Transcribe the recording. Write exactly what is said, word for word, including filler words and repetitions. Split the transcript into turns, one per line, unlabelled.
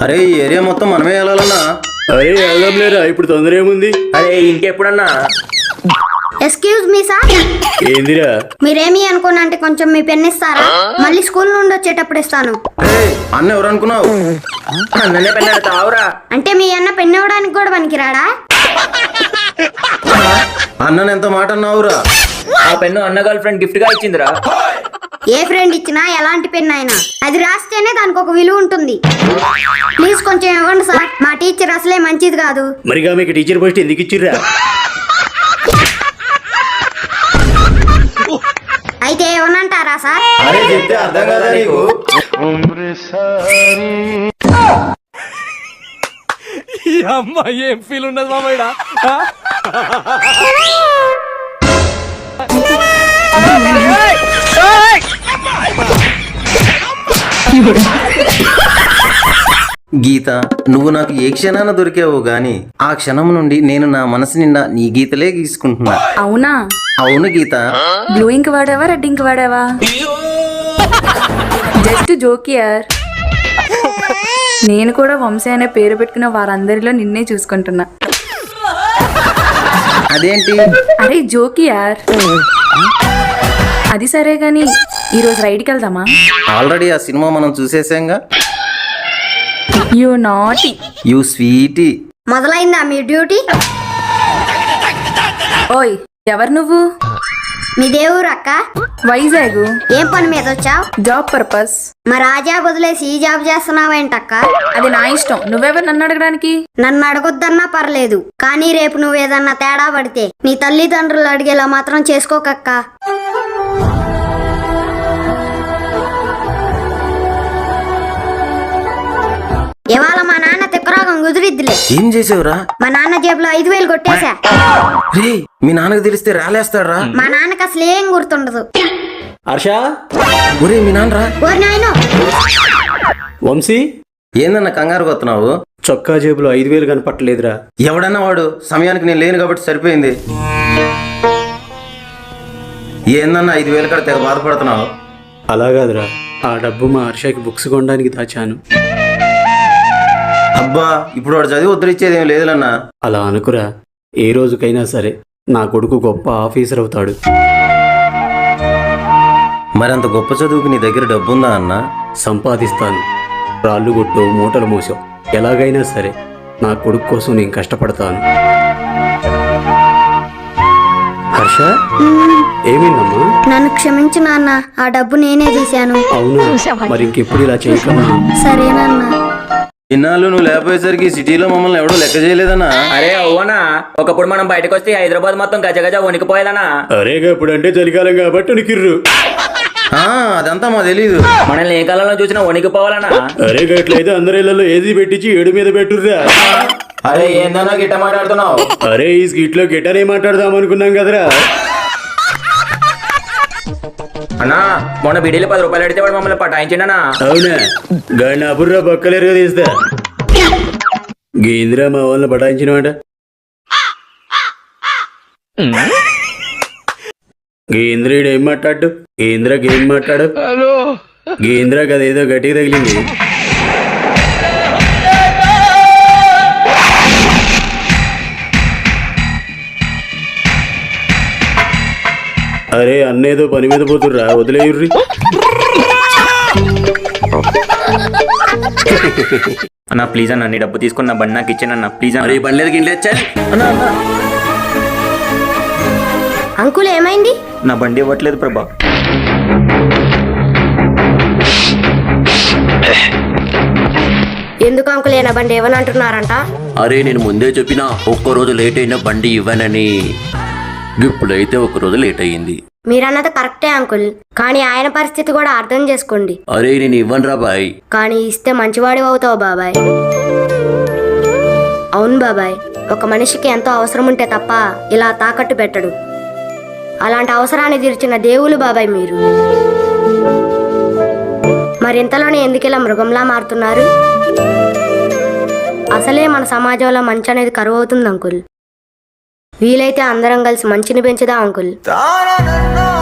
అరే ఈ ఏరియా మొత్తం మనమే వెళ్ళాలన్నా.
అరే వెళ్దాం లేరా, ఇప్పుడు తొందర ఏముంది?
అరే ఇంకెప్పుడన్నా?
ఎక్స్క్యూజ్ మీ సార్,
ఏందిరా?
మీరేమి అనుకోనంటే కొంచెం మీ పెన్ ఇస్తారా? మళ్ళీ స్కూల్ నుండి వచ్చేటప్పుడు ఇస్తాను.
ఏయ్, అన్న ఎవరు అనుకున్నావు?
అన్ననే పెళ్ళాడు తావురా.
అంటే మీ అన్న పెన్ ఇవ్వడానికి కూడా పనికిరాడా?
అన్నని ఎంత మాట అన్నావురా?
ఆ పెన్ను అన్న గర్ల్ ఫ్రెండ్ గిఫ్ట్ గా ఇచ్చిందిరా.
ఏ ఫ్రెండ్ ఇచ్చినా ఎలాంటి పెన్ అయినా అది రాస్తేనే దానికి ఒక విలువ ఉంటుంది. ప్లీజ్ కొంచెం ఇవ్వండి సార్, మా టీచర్ అసలే మంచిది కాదు.
మరిగా మీకు టీచర్ పోస్ట్ ఎందుకు ఇచ్చిర్రా?
అయితే ఏమనంటారా సార్?
అరే చెప్తే అర్థం కాదా నీకు?
ఈ అమ్మాయి ఏం ఫీల్ ఉన్నది మామయ్య?
గీత, నువ్వు నాకు ఏ క్షణాన దొరికావు గాని ఆ క్షణం నుండి నేను నా మనసు నిండా నీ గీతలే గీసుకుంటున్నా.
అవునా?
అవును గీత.
బ్లూ ఇంక్ వాడావా, రెడ్ ఇంక్ వాడావా? జస్ట్ జోకియర్. నేను కూడా వంశీ అనే పేరు పెట్టుకున్న వారందరిలో నిన్నే చూసుకుంటున్నా.
అదేంటి?
అరే జోకియార్. అది సరే గాని ఈరోజు రైడ్కి వెళ్దామా?
ఆల్రెడీ ఆ సినిమా మనం చూసేసాంగా.
You naughty.
You sweetie.
మొదలైందా మీ డ్యూటీ?
ఓయ్ ఎవరు నువ్వు?
మీ దేవురు అక్క.
వైజాగ్.
ఏం పని మీద వచ్చావు?
Job purpose.
మరి ఆ జాబ్ వదిలేసి ఈ జాబ్ చేస్తున్నావేంటక్క?
అది నా ఇష్టం, నువ్వెవరు నన్ను అడగడానికి?
నన్ను అడగొద్దన్నా పర్లేదు, కానీ రేపు నువ్వేదన్నా తేడా పడితే నీ తల్లిదండ్రులు అడిగేలా మాత్రం చేసుకోకక్క. ఇవాళ మా నాన్న తిక్కరోగం కుదిరిద్దిలే.
ఏం చేసావురా?
మా నాన్న జేబులో ఐదు వేలు కొట్టేశా.
రే, మీ నాన్నకు తెలిస్తే రాలేస్తాడ్రా.
మా నాన్నకి అసలు ఏం గుర్తుండదు.
హర్ష,
ఒరే మీ నాన్నరా.
ఓరి నాయనో,
వంశీ,
ఏందన్న కంగారు కొత్తున్నావు?
చొక్కా జేబులో ఐదు వేలు కనపట్టలేదురా.
ఎవడన్నా వాడు, సమయానికి నేను లేను కాబట్టి సరిపోయింది. ఏందన్నా ఐదు వేలు కాడ తెగ బాధపడుతున్నావు?
అలా కాదురా, ఆ డబ్బు మా హర్షకి బుక్స్ కొనడానికి దాచాను.
అబ్బా, ఇప్పుడు వాడు చదివి ఉద్ధరించేది ఏం లేదులన్నా.
అలా అనుకురా, ఏ రోజుకైనా సరే నా కొడుకు గొప్ప ఆఫీసర్ అవుతాడు.
మరంత గొప్ప చదువుకు నీ దగ్గర డబ్బుందా అన్నా?
సంపాదిస్తాను. రాళ్ళు కొట్టు, మూటలు మోసాం, ఎలాగైనా సరే నా కొడుకు కోసం నేను కష్టపడతాను. హర్ష, ఏమైందమ్మా?
నన్ను క్షమించు నాన్న, ఆ డబ్బు నేనే తీశాను.
అవునా? మరి ఇంకెప్పుడు ఇలా చేయకమ్మా.
సరేనన్నా.
ఇన్నాళ్ళు నువ్వు లేకపోయేసరికి సిటీలో మమ్మల్ని ఎవడో లెక్క చేయలేదన్నా.
అరే అవునా, ఒకప్పుడు మనం బయటకు వస్తే హైదరాబాద్ మొత్తం గజ గజ వణికిపోయేదనా.
అరే ఇప్పుడు అంటే చలికాలం కాబట్టి ఉనికిర్రు.
ఆ, అదంతా మా తెలీదు.
మనల్ని ఏ కాలంలో చూసినా వణికిపోవాలనా.
అరే గట్లయితే అందరి ఇళ్లలో ఏసీ పెట్టించి ఏడు మీద పెట్టుర్రా.
అరే ఏందన్నా గిట్ట మాట్లాడుతున్నావు?
అరే ఈ స్కిట్ లో గిటారే మాట్లాడదాం అనుకున్నాం కదరా.
అన్నా మొన్న బిడీలు పది రూపాయలు అడితే వాడు మమ్మల్ని పటాయించిండనా.
అవునా? గాడిని అబుర్రా బక్కలేరుగా తీస్తా. గేంద్రా మా వాళ్ళని పటాయించినమాట. గేంద్రుడు ఏం మాట్లాడు? గేంద్రాకి ఏం మాట్లాడు? గేంద్రాకి అదేదో గట్టిగా తగిలింది. అరే అన్నేదో పని మీద పోతుర్రా, వదిలేయుర్రి.
అన్నా ప్లీజ్ అన్న, నీ డబ్బు తీసుకున్న నా బండి నాకు ఇచ్చానన్నా ప్లీజ్ అన్న.
బండి లేదు గిట్ల వచ్చా అన్నా. అన్నా
అంకుల్ ఏమైంది?
నా బండి ఇవ్వట్లేదు ప్రభా.
ఎందుకు అంకుల్ ఏనా బండి ఏమని అంటున్నారంట?
అరే నేను ముందే చెప్పినా ఒక్కరోజు లేట్ అయిన బండి ఇవ్వనని. ఇప్పుడైతే ఒక్కరోజు లేట్ అయ్యింది.
మీరన్నది కరెక్టే అంకుల్, కానీ ఆయన పరిస్థితి కూడా అర్థం చేసుకోండి.
అరే నేను ఇవ్వనురా బాయ్.
కానీ ఇస్తే మంచివాడి అవుతావు బాబాయ్. అవును బాబాయ్, ఒక మనిషికి ఎంతో అవసరం ఉంటే తప్ప ఇలా తాకట్టు పెట్టడు. అలాంటి అవసరాన్ని తీర్చిన దేవులు బాబాయ్ మీరు. మరింతలోనే ఎందుకు ఇలా మృగంలా మారుతున్నారు? అసలే మన సమాజంలో మంచి అనేది కరువు అవుతుంది అంకుల్. వీలైతే అందరం కలిసి మంచిని పెంచుదా అంకుల్.